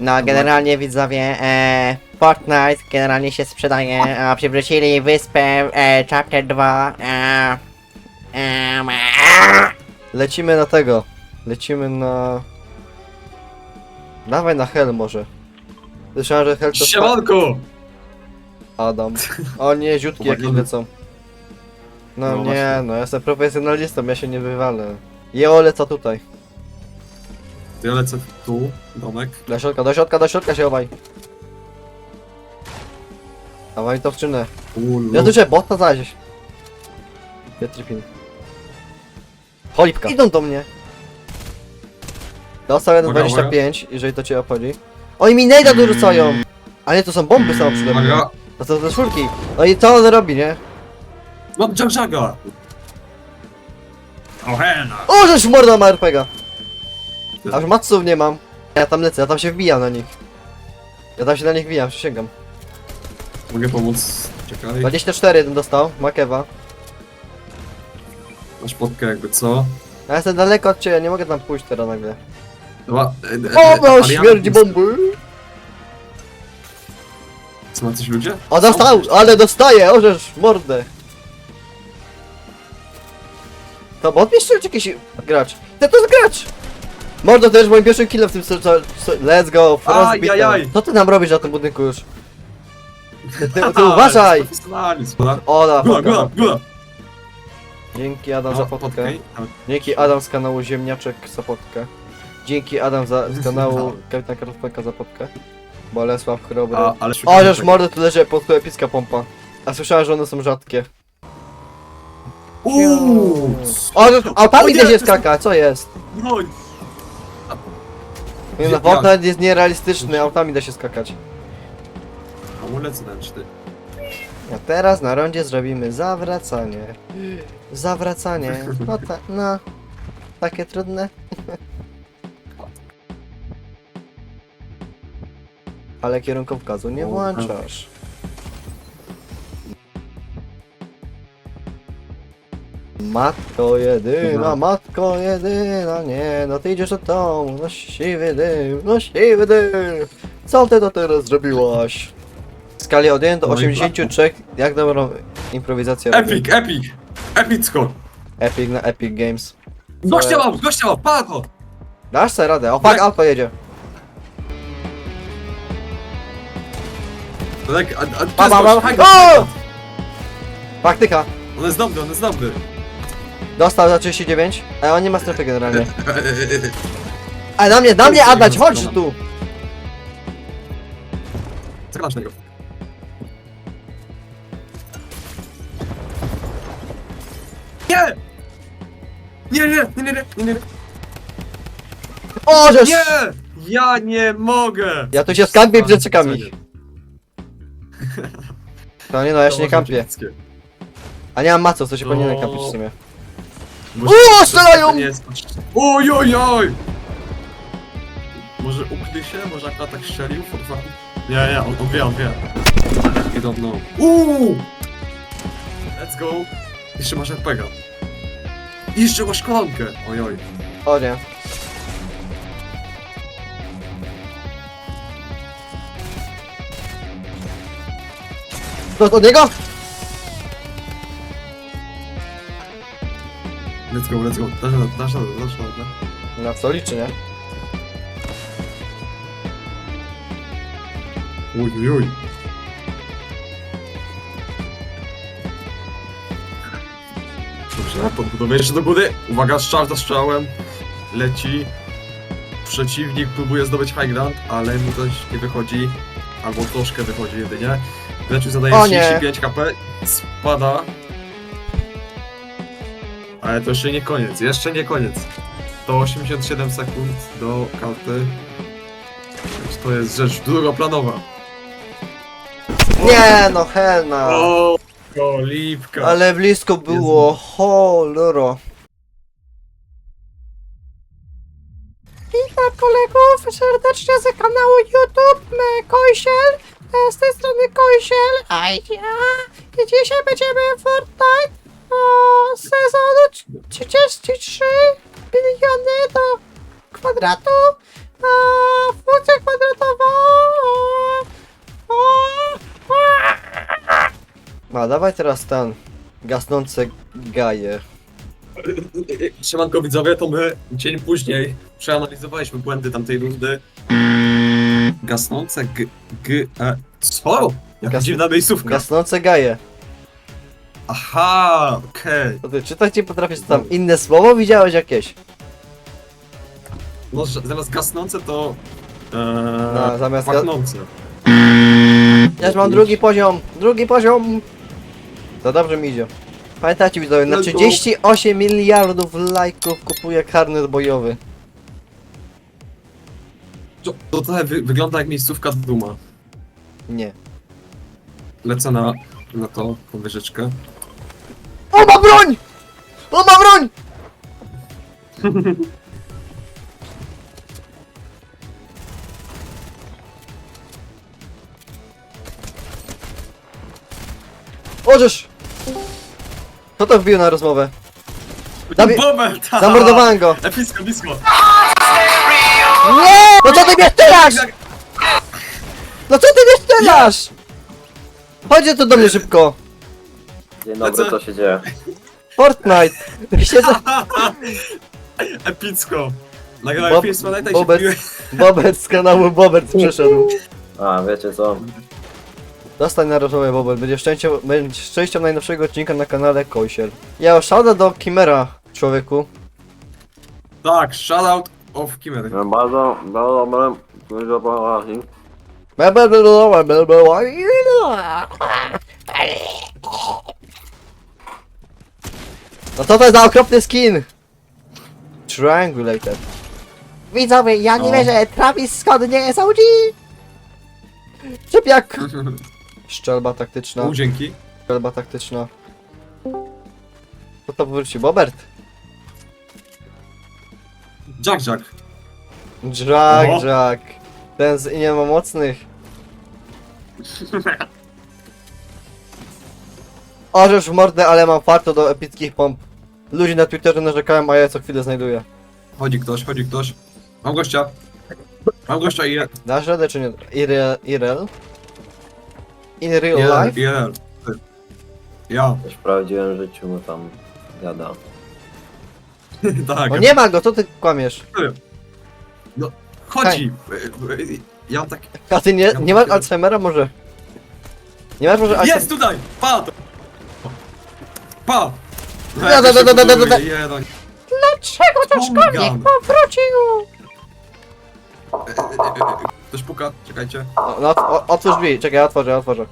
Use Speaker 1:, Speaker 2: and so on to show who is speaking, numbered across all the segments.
Speaker 1: No generalnie widzowie, Fortnite generalnie się sprzedaje, a przywrócili wyspę Chapter 2. Lecimy na tego. Lecimy na... Dawaj na Hell może. Słyszałem, że Hell to...
Speaker 2: Siemanko!
Speaker 1: Adam. O nie, ziutki jakieś lecą. No,
Speaker 2: No
Speaker 1: nie,
Speaker 2: właśnie.
Speaker 1: no ja jestem profesjonalistą, ja się nie wywalę. Jo, lecę tutaj.
Speaker 2: To ja lecę tu, domek.
Speaker 1: Do środka się chowaj. Dawaj to wczynę.
Speaker 2: Ulu.
Speaker 1: Ja tu cię bota znaleźć. Pietripin. Cholipka. Idą do mnie. Dostał
Speaker 2: Uwaga,
Speaker 1: 1,25, jeżeli to cię obchodzi. Oni mi nejda dorzucają! A nie, to są bomby samo przede mną.
Speaker 2: Uwaga!
Speaker 1: To są te czwórki. No i co on robi, nie?
Speaker 2: Mam Jaga! Ohena!
Speaker 1: O, żeś morda ma RPGa! Aż matsów nie mam. Ja tam lecę, ja tam się wbijam na nich. Ja tam się na nich wbijam, przysięgam.
Speaker 2: Mogę pomóc? Czekaj.
Speaker 1: 24 jeden dostał, Makewa.
Speaker 2: Masz podkę jakby co?
Speaker 1: Ja jestem daleko od ciebie, nie mogę tam pójść teraz nagle.
Speaker 2: Dobra,
Speaker 1: O, no,
Speaker 2: ale ja-
Speaker 1: śmierdzi bomby!
Speaker 2: Co, ma coś ludzie?
Speaker 1: O, dostał, ale dostaje, ożesz, mordę. To bot jeszcze czy jakiś gracz? To jest gracz! Mordo, to jest moim pierwszym killem w tym let's go, Frostbite.
Speaker 2: Ajajaj.
Speaker 1: Co ty nam robisz na tym budynku już? Ty uważaj!
Speaker 2: Profesjonalizm, dobra?
Speaker 1: Ola,
Speaker 2: Góra!
Speaker 1: Dzięki Adam za podkę.
Speaker 2: Podkę.
Speaker 1: Dzięki Adam z kanału Ziemniaczek za podkę. Dzięki Adam z kanału Kapitan Karolka za podkę. Bolesław Chrobry.
Speaker 2: Ale
Speaker 1: O, żeż mordo, tu leży pod epicka pompa. A słyszałem, że one są rzadkie.
Speaker 2: Uuu!
Speaker 1: O, żeż autami
Speaker 2: O nie,
Speaker 1: da
Speaker 2: to
Speaker 1: się
Speaker 2: jest-
Speaker 1: skaka, co jest?
Speaker 2: Broń!
Speaker 1: Nie no,
Speaker 2: Jak?
Speaker 1: Fortnite jest nierealistyczny, autami da się skakać.
Speaker 2: Amulet ręczny.
Speaker 1: A teraz na rondzie zrobimy zawracanie. Zawracanie. No tak, no. Takie trudne. Ale kierunkowskazu nie włączasz. Matko jedyna, nie, no ty idziesz do domu, no siwy dym, no siwy dym. Co ty to teraz zrobiłaś? W skali od 1 do
Speaker 2: No i
Speaker 1: 83, jak dobrą improwizację robię?
Speaker 2: Epicko!
Speaker 1: Epic na Epic Games.
Speaker 2: Gościa mam, pago!
Speaker 1: Dasz sobie radę, o fuck, auto jedzie.
Speaker 2: Tak,
Speaker 1: O! Faktyka,
Speaker 2: On jest dobry.
Speaker 1: dostał za 39, ale on nie ma strefy generalnie. A na mnie Adać, chodź tu!
Speaker 2: Zaglądasz na niego. Nie! Nie!
Speaker 1: O, żeż!
Speaker 2: Nie! Ja nie mogę!
Speaker 1: Ja tu się skampię przed czekami. To nie no, ja się nie kampię. A nie mam maców, to się powinienem kampić w sumie. O, strzelają!
Speaker 2: Ojojoj! Może ukrył się? Może akurat tak strzelił? Nie, on wie. I don't know. Let's go! Jeszcze masz RPG. Jeszcze masz kolonkę! Ojoj.
Speaker 1: O nie. To od niego?
Speaker 2: Let's go. Dasz radę.
Speaker 1: Na co liczy, nie?
Speaker 2: Ojojoj. Dobrze, podbudowuję jeszcze do góry. Uwaga, strzał za strzałem. Leci. Przeciwnik próbuje zdobyć high ground, ale mu coś nie wychodzi. Albo troszkę wychodzi jedynie. Leciu zadaje
Speaker 1: O nie.
Speaker 2: 35 kp. Spada. Ale to jeszcze nie koniec. To 87 sekund do karty. Więc to jest rzecz drugoplanowa.
Speaker 1: Nie no, helna.
Speaker 2: O, kolipka.
Speaker 1: Ale blisko było, cholero. Witam kolegów serdecznie z kanału YouTube Kojsiel. Z tej strony Kojsiel. A ja. I dzisiaj będziemy w Fortnite sezonu 33 biliony do kwadratu. Funkcja kwadratowa! A, dawaj teraz ten gasnące gaje.
Speaker 2: Siemanko widzowie, to my dzień później przeanalizowaliśmy błędy tamtej rundy. Gasnące co? Jaka dziwna miejscówka.
Speaker 1: Gasnące gaje.
Speaker 2: Aha, okej.
Speaker 1: To ty czytać nie potrafisz, co tam inne słowo widziałeś jakieś?
Speaker 2: No, zamiast gasnące to...
Speaker 1: No, zamiast
Speaker 2: pachnące.
Speaker 1: Ja już mam drugi poziom! Drugi poziom! To dobrze mi idzie. Pamiętajcie widzowie, na
Speaker 2: Let's go.
Speaker 1: 38 miliardów lajków kupuję karnet bojowy.
Speaker 2: To trochę wygląda jak miejscówka Duma.
Speaker 1: Nie.
Speaker 2: Lecę na to podwyżeczkę.
Speaker 1: O, ma broń! O, ma broń! Ożesz! Kto to wbił na rozmowę? Dawid-
Speaker 2: Bobel, ta!
Speaker 1: Zamordowałem go!
Speaker 2: Epicko, blisko.
Speaker 1: Nie! No co ty mnie strzelasz? No co ty mnie strzelasz? Chodźcie tu do mnie szybko!
Speaker 3: Dzień dobry, co się dzieje?
Speaker 1: Fortnite! Siedzę...
Speaker 2: Epicko. Nagrałem film z Fortnite'a i się
Speaker 1: Bobert,
Speaker 2: wbiłem.
Speaker 1: Bobert z kanału Bobert przyszedł.
Speaker 3: A, wiecie co?
Speaker 1: Dostań na rozmowę Bobert, będziesz częścią najnowszego odcinka na kanale Koisiel. Ja szada do Kimera, człowieku.
Speaker 2: Tak, shoutout of Kimmery.
Speaker 3: Bardzo dobre, dużo poważnie.
Speaker 1: No co to jest za okropny skin? Triangulated. Widzowie, ja nie
Speaker 2: O.
Speaker 1: wierzę, Travis Scott nie jest OG! Czepiak! Szczelba taktyczna,
Speaker 2: Dzięki.
Speaker 1: szczelba taktyczna. Co to wróci? Bobert?
Speaker 2: Jack.
Speaker 1: Jack,
Speaker 2: Oho.
Speaker 1: Jack. Ten z nie ma mocnych. Orzesz w mordę, ale mam farto do epickich pomp. Ludzie na Twitterze narzekają, a ja co chwilę znajduję.
Speaker 2: Chodzi ktoś. Mam gościa i...
Speaker 1: Dasz radę czy nie? IRL? In real life?
Speaker 2: Ja.
Speaker 3: Też w prawdziwym życiu mu tam gada.
Speaker 2: Tak.
Speaker 1: No nie ma go, co ty kłamiesz?
Speaker 2: Chodzi. Ja mam tak...
Speaker 1: A ty nie masz Alzheimera może? Nie masz może
Speaker 2: Jest tutaj! Pa! to- Pa! Jeden.
Speaker 1: Dlaczego
Speaker 2: to szkolnik
Speaker 1: powrócił?
Speaker 2: Ktoś puka, czekajcie.
Speaker 1: No, otwórz drzwi, czekaj, ja otworzę.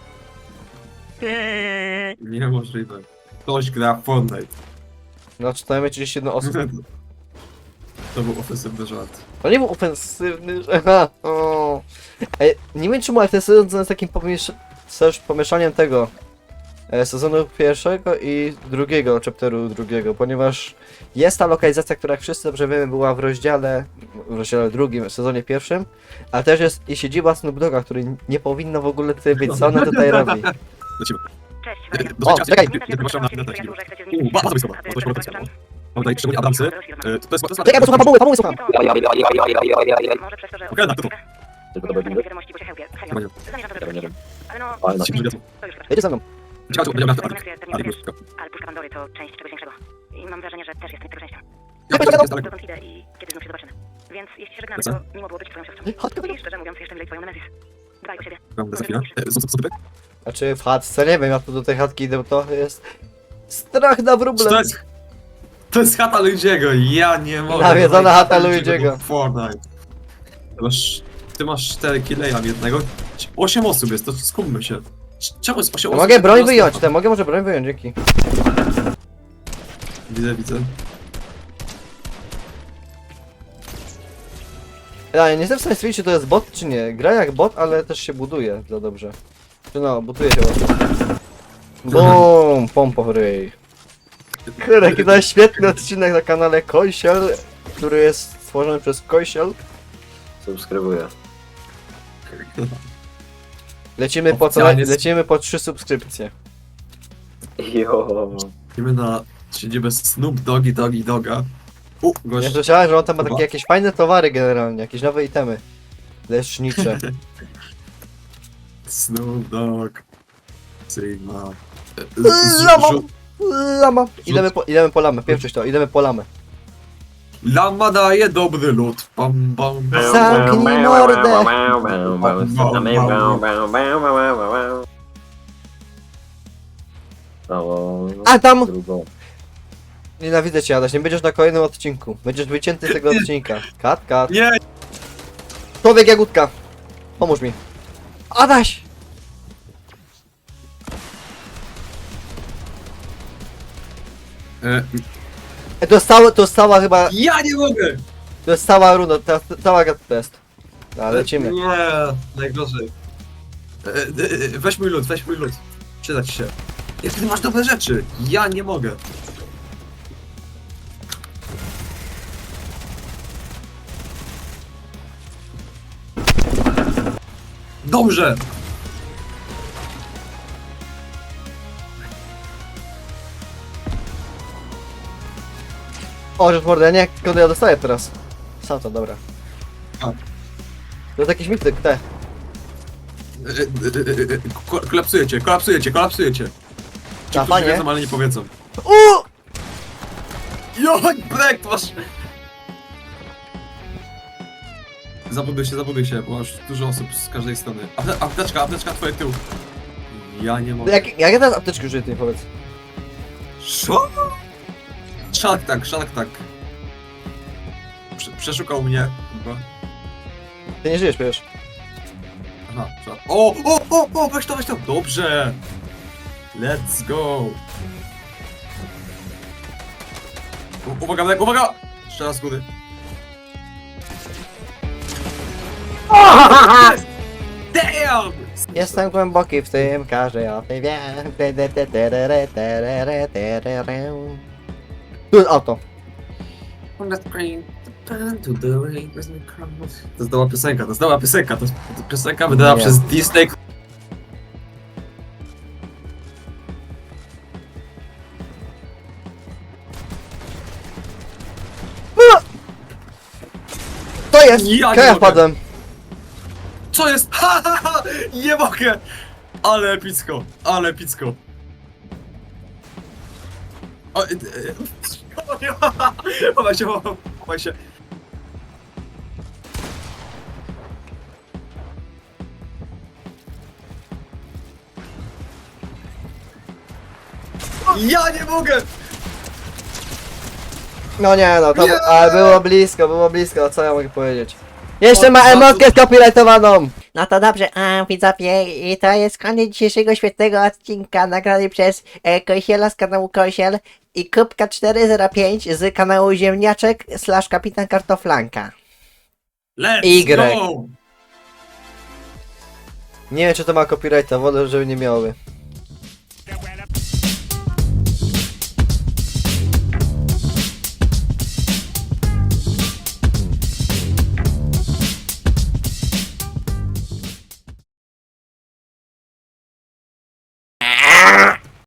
Speaker 2: Niemożliwe. Ktoś gra w Fortnite.
Speaker 1: No, czytajmy 31 osób.
Speaker 2: To był ofensywny żart.
Speaker 1: To nie był ofensywny, że... Ha, o. Ej, nie wiem czemu, ale ten sezon jest takim pomieszaniem tego sezonu pierwszego i drugiego, chapteru drugiego, ponieważ jest ta lokalizacja, która jak wszyscy dobrze wiemy była w rozdziale drugim, w sezonie pierwszym, ale też jest i siedziba Snoop Dogga, który nie powinno w ogóle tutaj być, co ona tutaj robi.
Speaker 2: Lecimy.
Speaker 4: Cześć,
Speaker 1: O, czekaj.
Speaker 2: Bardzo blisko. Bardzo blisko. Mam tutaj szczególnie Adamsy. To jest...
Speaker 1: Czekaj, posłucham fabuły słucham.
Speaker 4: Może przez to, że...
Speaker 2: Okej, to.
Speaker 3: Tylko to będzie?
Speaker 4: wiadomości, bo się hełpie.
Speaker 2: Chyba nie.
Speaker 4: Zamierzam to
Speaker 3: Ja nie
Speaker 4: zrobić.
Speaker 3: wiem.
Speaker 4: Ale no...
Speaker 3: Fajna.
Speaker 4: To już
Speaker 1: Jedzie ze mną.
Speaker 2: Ciekawe, będzie miał
Speaker 4: Ale puszka Pandory to część czegoś większego. I mam wrażenie, że też jest tego częścią. Dokąd idę i kiedy znów się zobaczymy. Więc jeśli się żegnamy, to miło było być twoją siostrą. I szczerze mówiąc, jeszcze milej twoją Nemezis. Dbaj o siebie.
Speaker 2: Za chwilę. Co typy?
Speaker 1: Znaczy w chatce, nie wiem, ja tu do tej chatki idę, to jest... Strach na wróble.
Speaker 2: To jest chata Luigiego, ja nie mogę.
Speaker 1: Nawiedzona chata Luigiego.
Speaker 2: Fortnite. Ty masz 4 kile, ja mam jednego. 8 osób jest, to skupmy się. Czemu jest 8 osób?
Speaker 1: Mogę broń wyjąć, mogę może broń wyjąć, dzięki.
Speaker 2: Widzę.
Speaker 1: Ja nie jestem w stanie stwierdzić, czy to jest bot, czy nie. Gra jak bot, ale też się buduje za dobrze. Czy no, buduje się ładnie. Bum, pompa w ryj. Kurde, jaki to jest świetny odcinek na kanale Koisiel, który jest stworzony przez Koisiel.
Speaker 3: Subskrybuję.
Speaker 1: Lecimy po 3 subskrypcje.
Speaker 3: Jo.
Speaker 2: Idziemy na siedzibę Snoop Dogga. U,
Speaker 1: Ja
Speaker 2: gość.
Speaker 1: słyszałem, że on tam ma
Speaker 2: Chyba.
Speaker 1: takie jakieś fajne towary generalnie, jakieś nowe itemy. Lecznicze.
Speaker 2: Snoop Dogg. Sigma.
Speaker 1: Lama! Lama! Idziemy po lamę, pierwszyś to, idziemy po lamę.
Speaker 2: Lama daje dobry lód. Pam, pam, pam.
Speaker 1: Zamknij mordę! A tam!
Speaker 3: Drugą.
Speaker 1: Nienawidzę cię, Adaś, nie będziesz na kolejnym odcinku. Będziesz wycięty z tego odcinka. Kat.
Speaker 2: Nie!
Speaker 1: Człowiek Jagódka! Pomóż mi. Adaś! Dostała chyba,
Speaker 2: Ja nie mogę!
Speaker 1: dostała runo, cała test. No, lecimy.
Speaker 2: Nie, najgorzej. Weź mój lód, weź mój lód. Przyda ci się. Jak ty masz dobre rzeczy? Ja nie mogę. Dobrze!
Speaker 1: O, rzecz mordę, nie, skąd ja dostaję teraz? Sam to, dobra.
Speaker 2: A.
Speaker 1: To jest jakiś mityk, te.
Speaker 2: Kolapsujecie. Ci,
Speaker 1: A,
Speaker 2: którzy
Speaker 1: fajnie.
Speaker 2: wiedzą, ale nie powiedzą.
Speaker 1: Uuu!
Speaker 2: Joj, brek masz! Zabuduj się, bo masz dużo osób z każdej strony. Apteczka, twoje tył. Ja nie mogę.
Speaker 1: Jak ja teraz apteczki użyję, ty powiedz.
Speaker 2: Co? Shark Tank. Przeszukał mnie. Chyba.
Speaker 1: Ty nie żyjesz, wiesz.
Speaker 2: Aha, weź to. Dobrze. Let's go. Uwaga! Jeszcze raz z góry. Damn!
Speaker 1: Jestem głęboki w tym, każdy o tym wie. Tu jest auto.
Speaker 2: To jest nowa piosenka, to jest piosenka wydana
Speaker 1: Nie.
Speaker 2: przez Disney.
Speaker 1: To jest!
Speaker 2: Ja nie
Speaker 1: Ja
Speaker 2: mogę.
Speaker 1: wpadłem.
Speaker 2: Co jest? Ha! Nie mogę! Ale epicko. Chowaj się. Ja nie mogę!
Speaker 1: No nie no, to
Speaker 2: Nie!
Speaker 1: ale było blisko, co ja mogę powiedzieć? Jeszcze ma emotkę skopirajtowaną! No to dobrze, widzowie, i to jest koniec dzisiejszego świetnego odcinka nagrany przez Kosiela z kanału Kosiel i Kubka405 z kanału Ziemniaczek / Kapitan Kartoflanka.
Speaker 2: Let's
Speaker 1: Y.
Speaker 2: go!
Speaker 1: Nie wiem czy to ma copyrighta, wolę żeby nie miały.